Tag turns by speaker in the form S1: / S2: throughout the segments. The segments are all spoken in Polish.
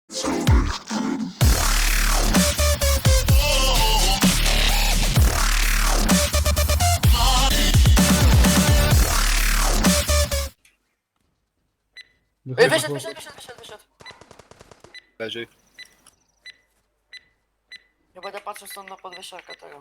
S1: Wyszedł.
S2: Leży.
S1: Ja będę patrzył stąd na podwyższarkę tego.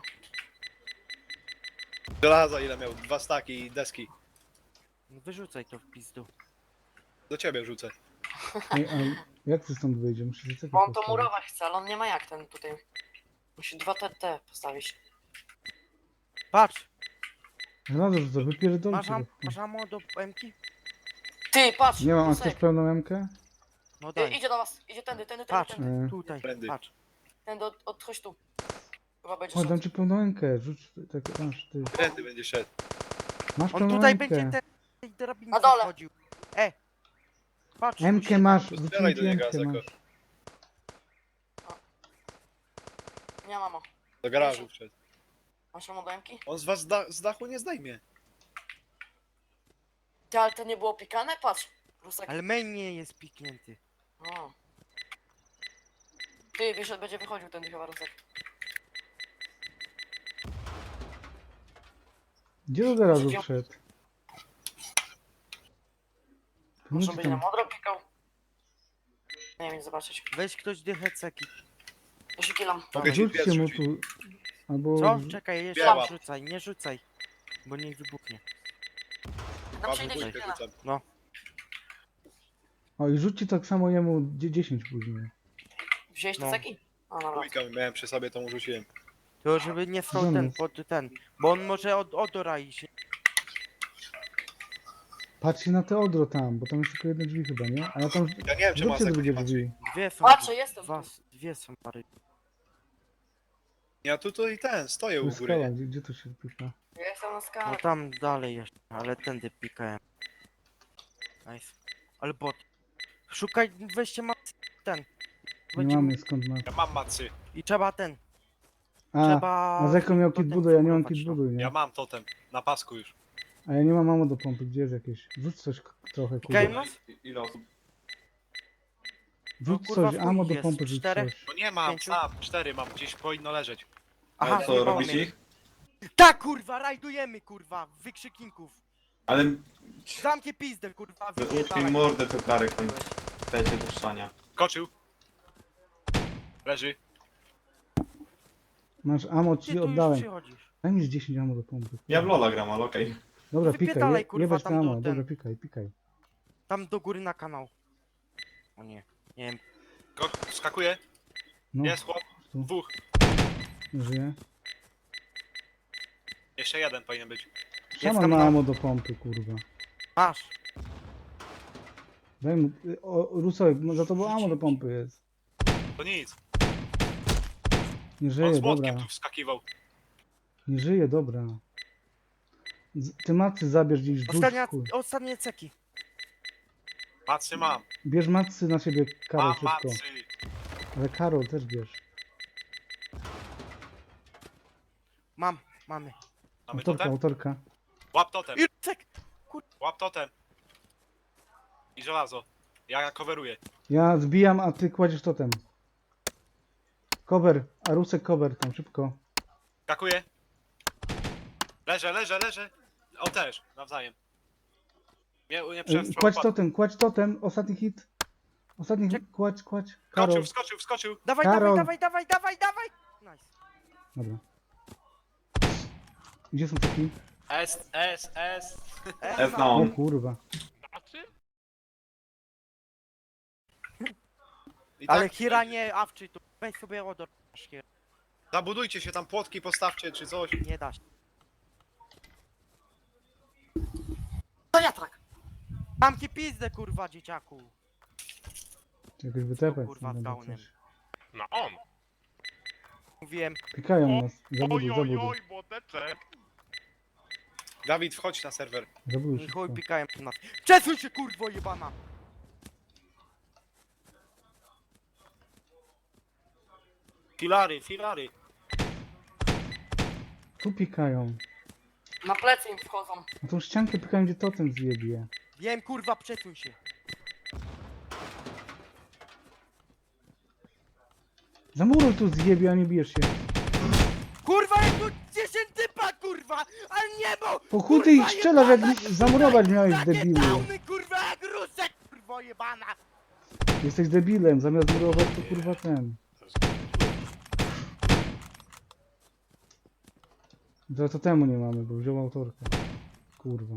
S2: Żelaza ile miał? 2 staki i deski.
S3: No wyrzucaj to w pizdu.
S2: Do ciebie rzucę.
S4: Ej, a jak ty stąd wyjdzie? Musisz zaczekać.
S1: Bo on to murować chce, ale on nie ma jak ten tutaj. Musi 2 TT postawić.
S3: Patrz!
S4: Żelazo rzucę, wypierdolcie.
S3: Masz ammo do MK?
S1: Ty, patrz!
S4: Nie mam, a
S1: Rusek.
S4: chcesz pełną MK?
S3: No daj.
S1: Idzie do was, idzie tędy.
S3: Patrz,
S4: Tędy.
S3: tutaj, patrz.
S1: Tędy, chodź tu. Chyba będzie
S4: Chodź,
S1: szedł.
S4: dam ci pełną MK, rzuć tak, masz, ty.
S2: Trendy będzie szedł.
S4: Masz
S3: On
S4: pełną
S3: tutaj
S4: MK.
S3: będzie tej drabince
S1: Na dole.
S3: wchodził. Patrz.
S4: MK masz,
S2: Strzelaj
S4: rzuciłem
S2: do
S4: ci
S2: niego,
S4: MK
S2: Azeko.
S4: masz.
S1: Nie mamo.
S2: Do garażu wszedł.
S1: Masz amo do Emki?
S2: On z was z dachu nie zdejmie.
S1: Ty, ale to nie było pikane? Patrz. Rusek.
S3: Ale main nie jest piknięty.
S1: O. Ty, wiesz, że będzie wychodził ten chyba Rusek.
S4: Gdzie do garażu
S1: Gdzie-
S4: wszedł?
S1: Może
S4: Pomóżcie
S1: będzie na
S4: tam.
S1: modro pikał. Nie wiem, zobaczyć.
S3: Weź ktoś dychę ceki.
S1: Ja się kilam.
S2: Mogę ci
S4: Rzućcie
S2: pies
S4: mu
S2: rzucić.
S4: tu. Albo...
S3: Co? Czekaj, jeszcze
S2: Biała.
S3: nie rzucaj, nie rzucaj. Bo niech wybuchnie.
S1: Tam
S2: Paweł,
S1: przyjdę
S2: bójkę
S1: się kilam.
S2: rzucam.
S4: O i rzućcie tak samo jemu 10 później.
S1: Wziąłeś te
S3: No.
S1: ceki? O, dobra.
S2: Bójkę miałem przy sobie, to mu rzuciłem.
S3: To żeby nie stał
S4: Żony.
S3: ten pod ten. Bo on może od Orai się.
S4: Patrzcie na te odro tam, bo tam jest tylko jedno drzwi chyba, nie? A ja tam...
S2: Ja nie wiem, czy ma
S4: Zróbcie
S2: Azeko
S4: drugie
S2: nie patrzy.
S4: drzwi.
S3: Dwie są.
S1: Patrzę, jestem.
S3: Dwie są pary.
S2: Ja tutaj stoję
S4: Tu
S2: u
S4: jest
S2: góry.
S4: skała,
S2: Nie?
S4: gdzie to się pika?
S1: Ja jestem na
S3: No
S1: skale.
S3: tam dalej jeszcze, ale tędy pikałem. Nice. Ale bot. Szukaj, weźcie ten.
S4: Nie
S3: Będzie-
S4: mamy skąd ma...
S2: Ja mam macy.
S3: I trzeba ten.
S4: A,
S3: Trzeba.
S4: a Zeko miał kit
S3: potem
S4: budu, ja nie mam
S3: wmurować
S4: kit
S3: to.
S4: budu, nie?
S2: Ja mam totem. Na pasku już.
S4: A ja nie mam mamo do pompy, gdzie jest jakieś? Rzuć coś trochę,
S3: Pikają
S4: kurwa.
S3: nas?
S5: Ile osób?
S4: Rzuć
S3: No, kurwa,
S4: coś,
S3: w chuj
S4: amo do
S3: jest.
S4: pompy, rzuć
S3: Czterech?
S4: coś.
S2: No nie mam,
S3: 5.
S2: sam. 4 mam. Gdzieś powinno leżeć.
S3: Aha,
S5: Co,
S3: wyjebało
S5: robisz
S3: mnie.
S5: ich?
S3: Tak kurwa, rajdujemy kurwa, wykrzykników.
S5: Ale
S3: Zamknij pizdę kurwa,
S5: utknij
S3: wypierdalaj.
S5: mordę to karek tam dajcie do szczania.
S2: Skoczył. Leży.
S4: Masz amo,
S3: Ty
S4: ci
S3: tu już
S4: oddałem.
S3: przychodzisz.
S4: Daj mi z 10 amo do pompy.
S5: Ja w Lola gram, ale okej.
S4: Dobra, pikaj,
S3: Wypierdalaj, kurwa,
S4: jebać
S3: tam
S4: na
S3: do
S4: amo,
S3: ten.
S4: dobra, pikaj.
S3: Tam do góry na kanał. O nie, nie wiem.
S2: Skakuje.
S4: No,
S2: Jest chłop.
S4: tu.
S2: 2.
S4: nie żyje.
S2: Jeszcze jeden powinien być.
S4: Szaman
S3: tam
S4: ma
S3: na-
S4: amo do pompy, kurwa.
S3: Masz.
S4: Daj mu, Rusek, no za tobą amo do pompy jest.
S2: To nic.
S4: Nie
S2: On
S4: żyje,
S2: z
S4: dobra.
S2: młotkiem tu wskakiwał.
S4: Nie żyje, dobra. Ty macy zabierz gdzieś, rzuć, chuj.
S3: Ostatnie ceki.
S2: Macy mam.
S4: Bierz macy na siebie, Karol,
S2: Mam
S4: szybko.
S2: macy.
S4: Ale Karol też bierz.
S3: Mamy.
S2: Mamy
S4: Autorka,
S2: totem?
S4: autorka.
S2: Łap totem.
S3: I cek.
S2: Łap totem. I żelazo. Ja coveruję.
S4: Ja zbijam, a ty kładziesz totem. Cover, a Rusek cover tam, szybko.
S2: Skakuję. Leżę. On też, nawzajem. Nie
S4: Kładź totem, ostatni hit. Ostatni hit, kładź. Karol,
S2: Wskoczył.
S3: Dawaj,
S4: Karol.
S3: dawaj. Nice.
S4: dobra. Gdzie są taki?
S2: S.
S5: F na
S4: O
S5: on.
S4: kurwa.
S2: I
S3: Ale
S2: tak,
S3: Hira nie awczy tu. Weź sobie odor.
S2: zabudujcie się tam, płotki postawcie czy coś.
S3: Nie da się.
S1: To ja tak.
S3: Zamknij pizdę kurwa dzieciaku.
S4: Jakoś wytepać.
S3: kurwa,
S4: no,
S3: downem.
S4: coś.
S6: No on!
S3: Mówiłem.
S4: Pikają nas, zabuduj.
S6: młoteczek!
S2: Dawid, wchodź na serwer.
S4: Zabuduj
S3: I chuj
S4: szybko.
S3: pikają nas. Przesuń się kurwo jebana.
S2: Filary.
S4: Tu pikają.
S1: Na plecy im wchodzą.
S4: Na tą ściankę pikają, gdzie totem zjebie.
S3: Wiem kurwa, przesuń się.
S4: Zamuruj tu zjebie, a nie bijesz się.
S3: Kurwa, jak tu 10 typa, kurwa! Ale nie bo!
S4: Po chuj ty ich
S3: kurwa,
S4: strzelasz, jak
S3: jebana,
S4: zamurować miałeś,
S3: takie
S4: debilu.
S3: downy, kurwa, jak rusek, kurwo jebana!
S4: Jesteś debilem, zamiast murować to kurwa ten. Za to temu nie mamy, bo wziął autorkę. Kurwa.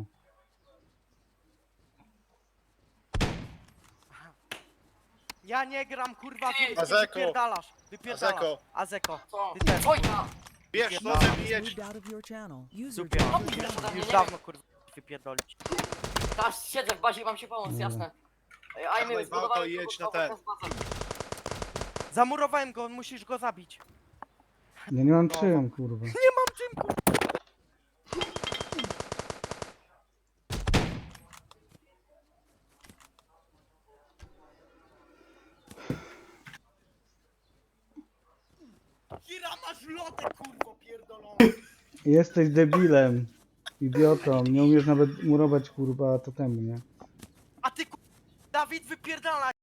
S3: Ja nie gram, kurwa,
S1: Ty,
S3: ty
S2: Azeko.
S3: wypierdalasz, wypierdalasz.
S2: Azeko.
S3: Azeko.
S1: Co?
S3: Ty też.
S1: Wojna!
S2: Bierz
S3: No.
S2: nożem i jedź.
S7: Moved out of your channel. User
S3: Super.
S7: joined
S1: No,
S7: your
S1: bierz ode
S7: channel.
S1: mnie,
S3: Już
S1: nie
S3: dawno, kurwa, wypierdolić.
S1: Teraz siedzę w bazie i mam ci pomóc,
S4: Dobra.
S1: jasne. A
S2: Dawaj
S1: my
S2: w auto i jedź na ten.
S3: Zamurowałem go, musisz go zabić.
S4: Ja nie mam czym, kurwa.
S3: Nie mam czym, kurwa. Kira, masz lotę, kurwo, pierdolony.
S4: Jesteś debilem. Idiotą. Nie umiesz nawet murować kurwa to temu, nie?
S3: A ty, kurwa, Dawid, wypierdala